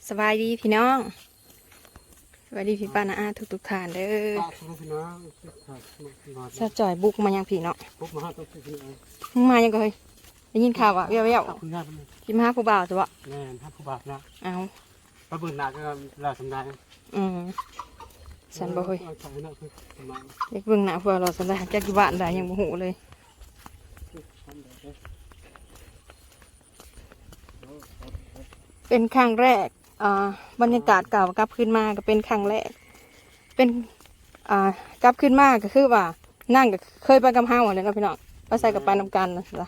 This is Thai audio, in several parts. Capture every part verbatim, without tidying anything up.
สบายดีพี่น้องสบายดีพี่ป้านะอาทุกทุกท่านเด้อสะจ่อยบุกมายังพี่เนาะมึงมายังก็เฮ้ยได้ยินข่าวอ่ะเบี้ยวเบี้ยวพี่มาหาผู้บ่าวตัวแม่ถ้าผู้บ่าวนะเอาพระบุญหนักก็เราทำได้อืมฉันบ่เฮ้ยเด็กเบิ่งหน้าเพื่อเราสันได้แก้กี่บ้านได้ยังบ่หูเลยเป็นครั้งแรกอ่าบรรยากาศเก่ากลับขึ้นมาก็เป็นครั้งแรกเป็นอ่ากลับขึ้นมาก็คือว่านั่งก็เคยไปกับเฮาเลยนะพี่น้องไปใส่กับไปนำกันนะจ้ะ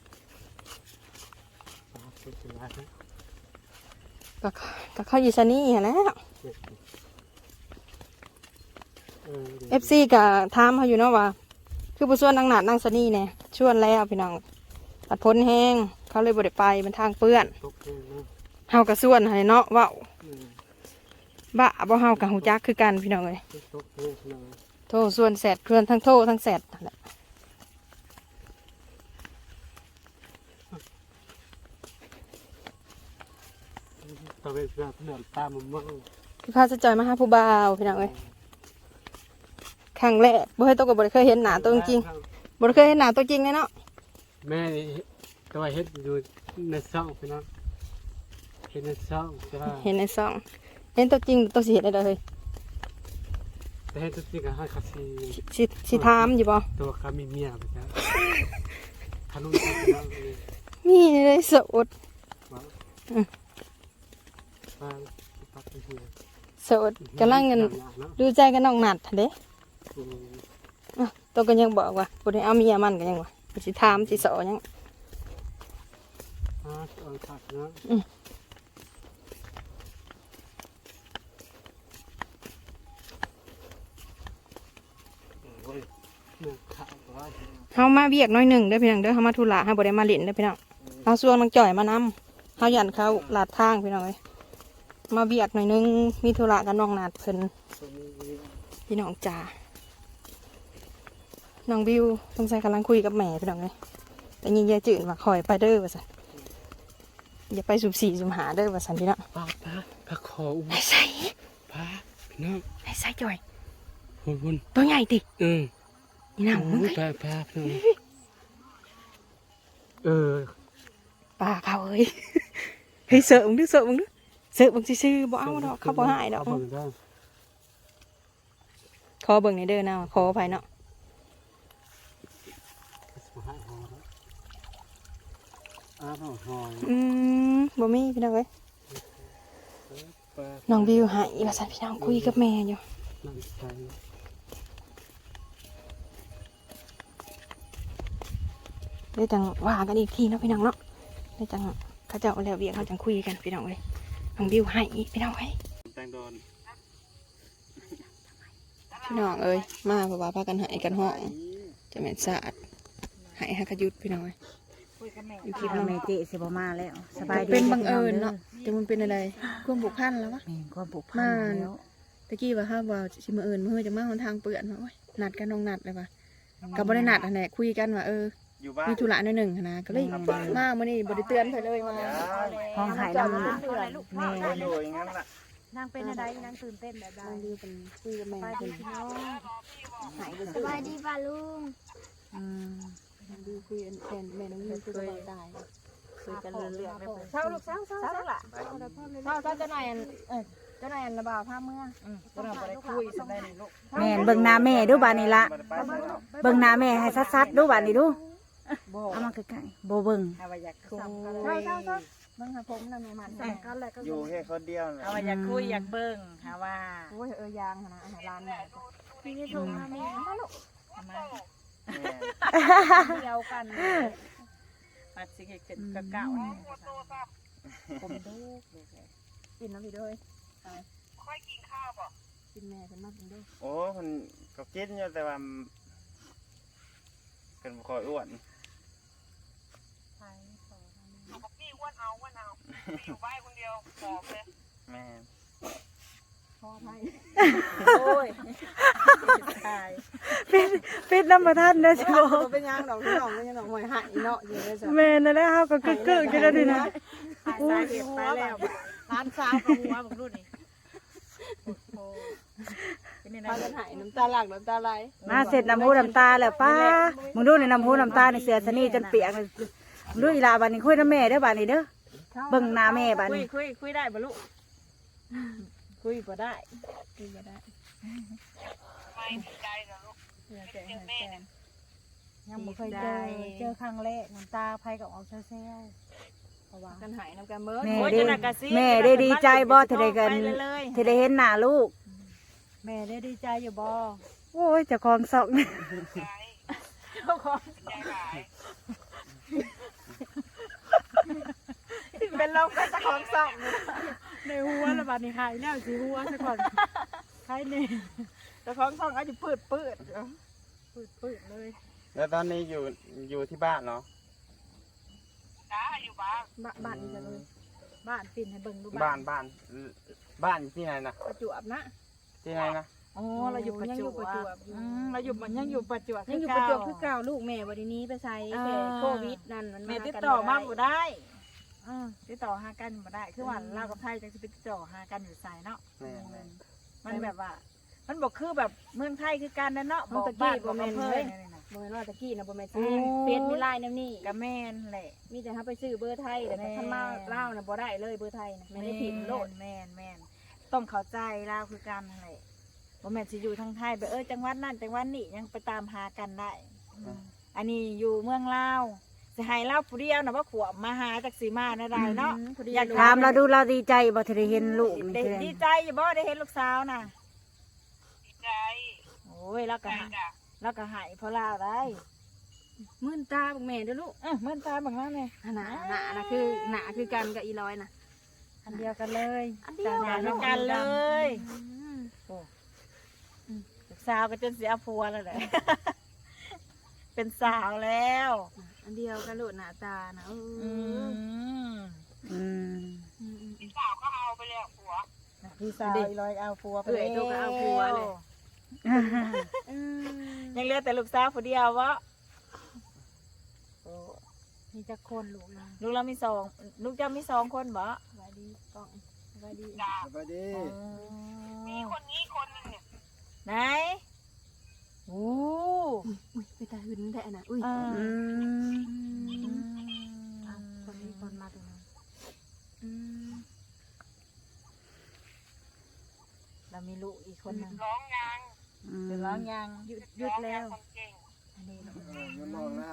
ก็ก็เข้าอยู่ซะนี่แล้วเอฟซีก็ถามเขาอยู่เนาะว่าคือผู้ส่วนนางหนาดนางซะนี่เนี่ยชวนแล้วพี่น้องตัดพ้นแห้งเขาเลยบ่ได้ไปเป็นทางเปื้อนเฮากระส่วนให้เนาะว่าบ้าบ่เฮากับหูจักคือกันพี่น้องเลยโทษส่วนแสดเคลื่อนทั้งโทษทั้งแสดตะเวนเสือเสือตามมันมั่งพี่พาสะจอยมาหาผู้บ่าวพี่น้องเลยครั้งแรกบ่เคยตัวกับบ่เคยเห็นหน้าตัวจริงบ่เคยเห็นหน้าตัวจริงเลยเนาะแม่ตัวเห็ดอยู่ในซ่องพี่น้องเห็นในซ่องเห็นในซ่องเห็นตัวจริงตัวสีเห็นได้เลยแต่เห็นตัวจริงก็ให้คาซีสิสิถามอยู่บ่ตัวเขามีเมียไปจ้ะทะลุมีเลยสดสดกำลังเงินดูใจกันน้องหนัดเด้ตัวก็ยังบอกว่าบ่ได้เอาเมียมันก็ยังว่าสิถามสิสอยังเฮามาเบียกน้อยหนึ่งได้พี่น้องเด้อเฮามาธุระเฮาบ่ได้มาเล่นได้พี่น้องเฮาส่วงนางจ่อยมานำเฮายันเขาลาดทางพี่น้องเอ้ยมาเบียกหน่อยนึงมีธุระกับน้องนาดเพิ่นพี่น้องจ๋าน้องบิวต้องใส่กำลังคุยกับแม่พี่น้องเลยแต่ยิงยายจืดว่าคอยไปเด้อว่าสันอย่าไปสุ่มสี่สุ่มหาเด้อว่าสันพี่น้องป้าป้าป้าขออุ้มไอ้ใส่ป้าพี่น้องไอ้ใส่จ่อยหุ่นหุ่นตัวใหญ่ติอืมนี่น้ำมึงป้าป้าพี่น้องเออป้าเขาเอ้ยเฮ้ยเสิร์ฟมึงดิเสิร์ฟมึงดิเสิร์ฟมึงซื่อๆบ่เอาดอกเขาบ่หายดอกขอเบิ่งในเด้อนะขอไปเนาะอืมบ่มีพี่น้องเอ้ยน้องบิวหายว่าสันพี่น้องคุยกับแม่อยู่ได้จังว่ากันอีกทีเนาะพี่น้องเนาะได้จังเขาเจ้าแล้วเบียเขาจังคุยกันพี่น้องเอ้ยน้องบิวหายพี่น้องเอ้ยพี่น้องเอ้ยมาเพราะว่าพากันหายกันห้องจะแม่นสะอาดหายหักยุดพี่น้องเอ้ยอยู่ที่แม่เจสิบมาแล้วสบายดีเป็นบังเอิญเนาะแต่มันเป็นอะไรความผูกพันแล้ววะความผูกพันแล้วตะกี้ว่าห้าว่าชิมาเอิญเมื่อจะมาหนทางเปื่อนว่านัดกันน้องนัดเลยว่ะกับบริษัทอันไหนคุยกันว่าเออมีธุระในหนึ่งนะก็เลยมาเมื่อนี้บริเตือนไปเลยมาห้องหายแล้วแม่นางเป็นอะไรนางตื่นเต้นแบบใดดีเป็นคุยกับแม่เป็นหายสบายดีป่ะลุงอืมดีคุยแทนแม่น้องยืนคุยกับตายคุยกันเรื่องไม่เศร้าลูกเศร้าเศร้าเศร้าละเศร้าเศร้าเจ้านายเออเจ้านายระบาดผ้าเมื่อเจ้านายไปคุยสักได้หนึ่งลูกแม่เบิ่งหน้าแม่ดูบานนี่ละเบิ่งหน้าแม่ให้ซัดๆดูบานนี่ดูเอามาใกล้ๆโบเบิ่งเอาไปอยากคุยเศร้าเศร้าเศร้าเบิ่งหาผมนั่นแม่มันกันแหละก็อยู่แค่คนเดียวเอาไปอยากคุยอยากเบิ่งหาว่าโอ้ยเออยางนะอาหารร้านไหนพี่นี่ถูกมาแม่มาลูกทำไมเดียวกันปัดสิเกิดกะเก่าผมดูกินน้ำพี่ด้วยค่อยกินข้าวป่ะกินแม่เป็นมากกินด้วยโอ้มันก็กินอยู่แต่ว่าเป็นคอยอ้วนพี่อ้วนเอาอ้วนเอาอยู่บ้านคนเดียวขอบเลยแม่พ่อไทยโอ้ยตายเป็นเป็นน้ำประทันนะจ๊ะเป็นยังดอกนี่ดอกนี่ดอกหอยหายเนาะอยู่เลยจ้ะแม่นั่นแหละเขาก็กึกกึกกันแล้วดินะสาเหตุไปแล้วร้านสาวกับหัวบักรุ่นนี่โอ้เป็นยังไงพากันหายน้ำตาหลักน้ำตาไหลมาเสร็จน้ำหูน้ำตาแล้วป้ามึงดูในน้ำหูน้ำตาในเสือสนี่จนเปียกเลยมึงดูอีลาบานนี้คุยน้ำแม่เด้อบานนี้เด้อเบิ่งหน้าแม่บานคุยนี้คุยคุยได้บ่ลูกคุยบ่ได้คุยบ่ได้ไม่ดีใจเหรอลูกเสียใจหายแฟนยังบ่เคยเจอเจอครั้งแรกน้ำตาไผกับออกเซลล์เพราะว่ากันหายน้ำกันเบิดแม่ได้แม่ได้ดีใจบ่ที่ได้กันที่ได้เห็นหน้าลูกแม่ได้ดีใจอยู่บ่โอ้ยเจ้าของซอกใจเจ้าของใจหลายเป็นลมกันเจ้าของสองในหัวละบาดนี้หายแนวสิหัวซะก่อนใครนี่เจ้าของสองอาจจะปืดปืดปืดๆเลยแล้วตอนนี้อยู่อยู่ที่บ้านเนาะจ้าอยู่บ้านบ้านบ้านนี่จะเลยบ้านปิ่นให้เบิ่งดูบ้านบ้านบ้านอยู่ที่ไหนนะประจวบนะที่ไหนนะอ๋อเราอยู่ประยังจอยู่วบประจวบอืมเราอยู่มันยังอยู่ประจวบยังอยู่ประจวบคือเก่าลูกแม่วันนี้ไปใช้แค่โควิดนั่นมันแม่มาติดกันต่อมาบ่บ่ได้ได้อือติดต่อหากันบ่ได้ คือว่าลาวกับไทยจังสิไปติดต่อหากันอยู่ไสเนาะแม่แม่มันแบบว่า มันบ่คือแบบเมืองไทยคือกันนะเนาะมันตะบ้ากี้นบ่บ่แม่แม่นนเลเลย ยบ่แม่นว่าตะกี้นะบ่แม่นโอ้เฟซมีไลน์แนวนี้ก็แม่นแหละมีแต่ถ้าไปซื้อเบอร์ไทยแต่ถ้ามาเล่าวนะบ่ได้เลยเบอร์ไทยนะไม่ได้ผิดโลดแม่นแม่นต้องเข้าใจลาวคือกันนั่นแหละบ่แม่นสิอยู่ทางไทยไปเออจังหวัดนั่นจังหวัดนี้ยังไปตามหากันได้ อันนี้อยู่เมืองลาวสิให้ลาวผู้เดียวนะว่าขวบมาหาจักสีมาได้ได้เนาะ อยากถามเราดูเราดีใจบ่ที่ได้เห็นลูกนี่ดีใจอยู่บ่ได้เห็นลูกสาวน่ะดีใจโอ้ยแล้วใจก็หายจ้ะแล้วก็หายเพราะลาวได้มื่นตาบักแม่เด้อลูกเออเหมือนตาบางนั้นเลยหนาหนานะคือหนาคือกันกับอีร้อยนะอันเดียวกันเลยอันเดียวต่างกันกันเลยโอ้ลูกสาวก็จนเสียผัวแล้วแหละ เป็นสาวแล้วอันเดียวกันลูกหน้าตานะเออือมอืมอืมอืมพี่สาวก็เอาไปแล้วผัวพี่สาวอีร้อยเอาผัวไปเอ้ยตัวก็เอาผัวเลย อืมยังเหลือแต่ลูกสาวผู้เดียววะโอ้มีจะคนลูกนะลูกเรามีสองลูกเจะมีสองคนบ่สวัสดีกล้องสวัสดีจ้าสวัสดีมีคนนี้คนหนึงเนี่ยไหนโอ้อุ้ยไปตาหึนแท้นะอุ้ยอืมอ่ะคนนี้คนมาตรงนั้นอืมเรามีลูกอีกคนหนึงร้องยังเป็นร้องยังหยุดหยุดแล้วร้องยังคนเก่งอันนี้ลูกมันมองแล้ว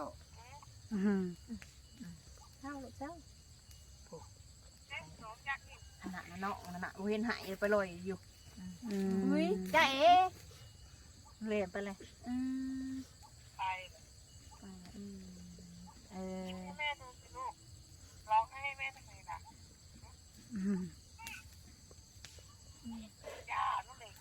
เศร้าลูกเศร้าเล่นร้องยังนี่ขนาดนั้นเนาะขนาดเว้นหายไปลอยอยู่อุ้อุ้ยยจ้าเอ๋เรียนไปเลยอืมไปอืมเออให้แม่ดูสิลูกร้องให้แม่ทำไมล่ะย่าลูกเด็ก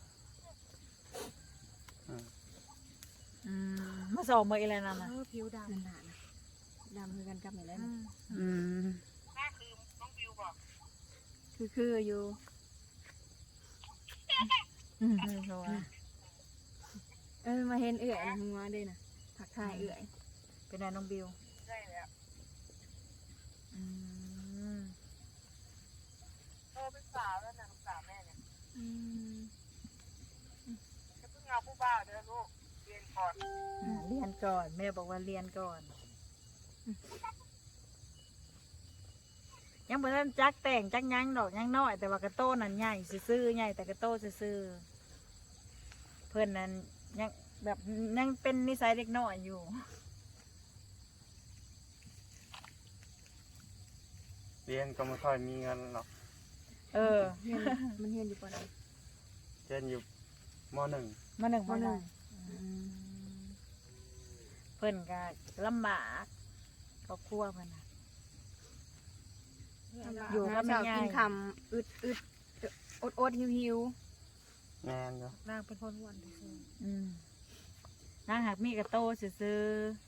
อืมมาสอบมืออะไรนั่นเอน่ะอผิวดำหนาๆนะดำคือกันกับไหนแล้วอืมหน้าคือน้องบิวบอกคือคืออยู่อืมโถ่เออมาเห็นเอื่อยนะมึงมาด้วยนะผักทายเอื่อยเป็นไงน้องบิวได้แล้วอืมโตเป็นสาวแล้วนะลูกสาวแม่เนี่ยอืมจะเพิ่งเอาผู้บ่าวเด้อลูกเรียนก่อนอ่าเรียนก่อนแม่บอกว่าเรียนก่อน ยังบ่ทันจักแต่งจักหยังดอกยังน้อย แต่ว่ากระโต้นั่นใหญ่ซื่อๆใหญ่แต่กระโต้ซื่อๆเพื่อนนั้นยังแบบยังเป็นนิสัยเด็กน้อยอยู่เรียนก็ไม่ค่อยมีเงินหรอกเออเฮียนมันเฮียนอยู่ปะไหนเรียนอยู่มหนึ่งมาหนึ่งมหนึ่งอืมเพื่อนก็ลำบากครอบครัวเพื่อนน่ะ อยู่กับแม่เช้ายายกินคำอึดอึดอดอดหิวหิวแมนอยู่ร่างเป็นคนอ้วนที่สุดอืมนางหักมีกระโตซื่อ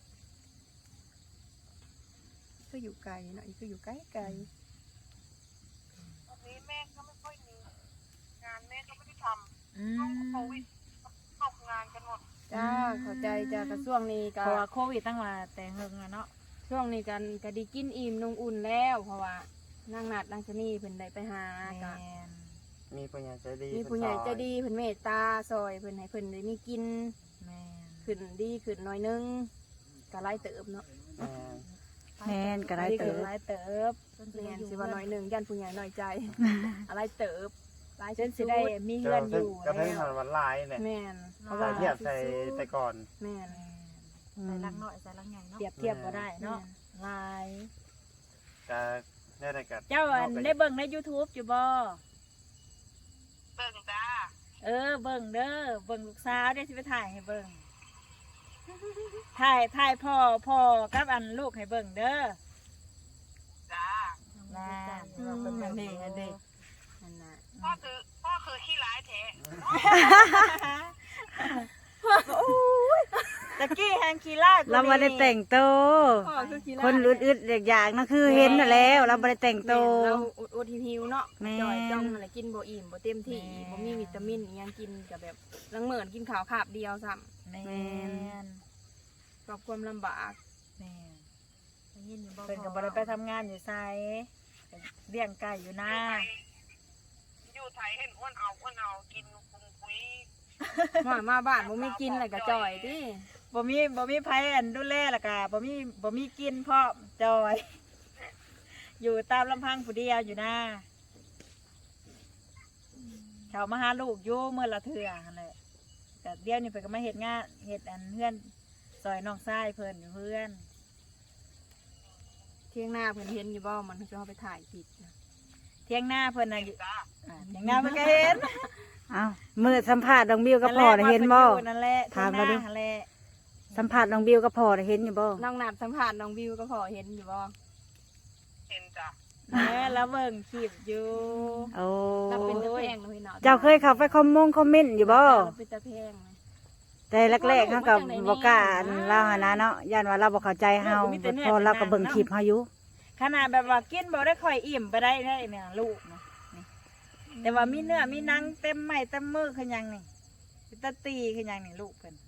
ก็อยู่ไกลเนาะอีกก็อยู่ไกลไกลตอนนี้แม่ก็ไม่ค่อยมีงานแม่ก็ไม่ได้ทๆอืำช่วงมโควิดตกงานกันหมดจ้าเข้าใจจ้ากระช่วงนี้เพก็ราะว่าโควิดตั้งมาแต่เฮิงอะเนาะช่วงนี้กันก็ไดีกินอิ่มนงอุ่นแล้วเพราะว่านางนัดนางชะนีเพิ่นได้ไปหาแม่ก็นมีผู้ใหญ่ใจดีมีผู้ใหญ่ใจดีเพิ่นเมตตาซอยเพิ่นให้เพิ่นได้มีกินแม่นขึ้นดีขึ้นหน่อยนึงก็ไล่เติบเนาะแม่นแม่นก็ได้เติบหลายเติบแม่นสิว่าน้อยนึงยันผู้ใหญ่น้อยใจอะไรเติบหลายจนสิได้มีเฮือนอยู่กระแล้ทั่งวหันวันลายเนี่ยแม่นเพราะใส่ว่าเทียบใส่แต่ก่อนแม่นอืใส่มลังหน่อยใส่ลังใหญ่เนาะเปรียบเทียบบ่ได้เนาะหลายจะได้แต่กัดเจ้าอันได้เบิ่งใน YouTube อยู่บ่เบิ่งจ้าเออเบิ่งเด้อเบิ่งลูกสาวเดี๋ยวสิไปถ่ายให้เบิ่งถ่ายถ่ายพ่อพ่อกับอันลูกให้เบิ่งเด้อจ้าน่าอืมอันนี้อันนี้นั่นน่ะพ่อคือพ่อคือขี้ร้ายแท้ตะกี้แฮงคีล่าเราไม่ได้แต่งโตวพ่อคือขี้คนอึดๆอยากๆนั่นคือเห็นน่ะแล้ว เราไม่ได้แต่งโตวเราอดอดหิวๆเนาะแม่นจ่อยจ้องนั่นแหละกินบ่อิ่มบ่เต็มที่บ่มีวิตามินอิหยังกินก็แบบลังเหมือนกินข้าวคาบเดียวซ้ำแม่นกับความลำบากแม่นได้ยินอยู่บ่เพิ่นก็บ่ได้ไปทำงานอยู่ไสเลี้ยงไก่อยู่นาอยู่ไทยเห็นอ้วนเอาอ้วนเอากินคุมคุยมามาบ้านบ่มีกินแล้วก็จ่อยติบ่มีบ่มีไผอันดูแลแล้วก็บ่มีบ่มีกินพร้อมจอย อยู่ตามลำพังผู้เดียวอยู่นาเขามาหาลูกอยู่เมื่อละเทื่อหั่นแหละแต่เดี๋ยวนี้เพิ่นก็มาเฮ็ดงานเฮ็ดอันเพื่อนซอยน้องชายเพิ่นอยู่เพื่อนเที่ยงหน้าเพิ่นเห็นอยู่บ่มันจะเอาไปถ่ายคลิปนะเที่ยงหน้าเพิ่นน่ะอยู่จ้าอ่าเที่ยงหน้าเพิ่นก็เห็นเอ้ามือสัมภาษณ์น้องบิวกับพ่อน่ะเห็นบ่นั่นแหละถามเราดูนั่นแหละสัมภาษณ์น้องบิวกับพ่อน่ะเห็นอยู่บ่น้องนัดสัมภาษณ์น้องวิวก็พอเห็นอยู่บ่เห็นจ้าแม่แล้วเบิ่งคลิปอยู่โอ้เราเป็นตะแพงเลยเนาะเจ้าเคยเข้าไปคอมมงคอมเมนต์อยู่บ่เราเป็นตะแพงเลยแต่แรกๆเขาก็บ่กล้าอันเล่าหานะเนาะย่านว่าเราบ่เข้าใจเฮาพอเราก็เบิ่งคลิปเฮาอยู่ขนาดแบบว่ากินบ่ได้ค่อยอิ่มไปได้ได้เนี่ยลูกนะนี่แต่ว่ามีเนื้อมีหนังเต็มไม้เต็มมือคือหยังนี่เป็นตาตีคือหยังนี่ลูกเพิ่น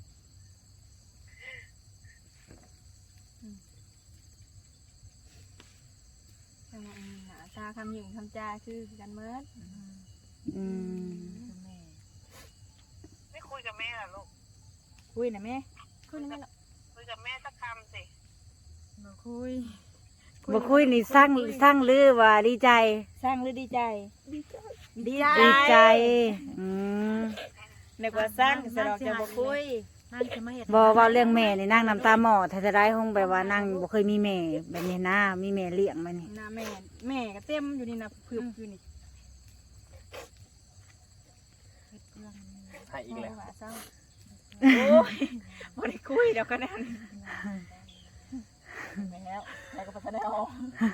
จังหวะนี้น่ะตาคำหยิ่งคำจาคือกันเมิดอืมคือแม่ไม่คุยกับแม่เหรอลูกคุยนะแม่ขึ้นไหมล่ะคุยกับแม่สักคำสิบ่คุยบ่คุยนี่สร้างสร้างลือว่าดีใจสร้างหรือดีใจ ดีใจดีใจอืมนึกว่าสร้างสะดอกจะบ่คุยนั่งจะมาเห็ดบ่เว้าเรื่องแม่นี่นางน้ำตาหมอถ้าจะได้คงแบบว่านางบ่เคยมีแม่แบบนี้นะมีแม่เลี้ยงมานี่หน้าแม่แม่ก็เต็มอยู่นี่นะพึบอยู่นี่ให้อีกแล้วว่าเศร้าโอ้ยบ่ได้คุยเดี๋ยวก็นั่นแม่แล้วแล้วก็พัฒนาออก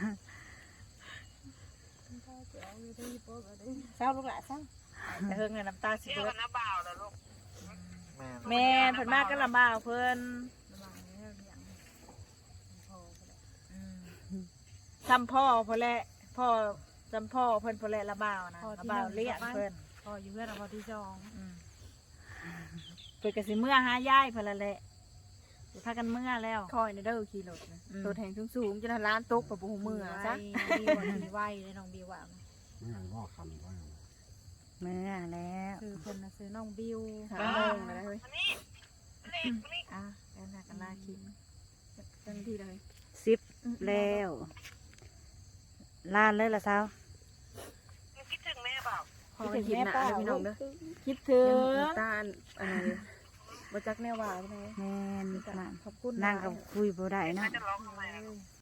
เศร้าลูกหลานเศร้าแต่เฮิงเนี่ยน้ำตาสิเที่ยวเบิกัดบน้าบ่าวเหรอลูกแม่เพิ่นมากก็ลำบากเพิ่นอืมซ้ำพ่อเพิ่นแหละพ่อซ้ำพ่อเพิ่นเพิ่นแหละละบ่าวนะละบ่าวเลี้ยงเพิ่นพออยู่เพื่อนเอาพอที่จองอืมเพิ่นก็สิเมื่อหายายเพิ่นละแหละสิพากันเมื่อแล้วคอยในเด้อขี่รถนะอืมตัวแทงสูงๆจะทำร้านตกกับปูมือจ้ะจ้ะบิวมีไหวเลยน้องบิวอ่ะเมื่อแล้วคือคนน่ะซื้อน้องบิวหาโมงอะไรเฮ้ยอันนี้อันนี้อันนี้อ่ะแล้วน่ะกันลาคิดเต็มที่เลยสิบแล้วลานเลยล่ะสาวยังคิดถึงแม่เปล่าพอไปคิดหนาเลยพี่น้องเด้อคิดถึงน้ำตาลอะไรบ่จักแนวว่าพี่น้องแม่นนั่นขอบคุณนั่งกับคุยบ่ได้แม่เนาะจะร้องทำไมล่ะลูก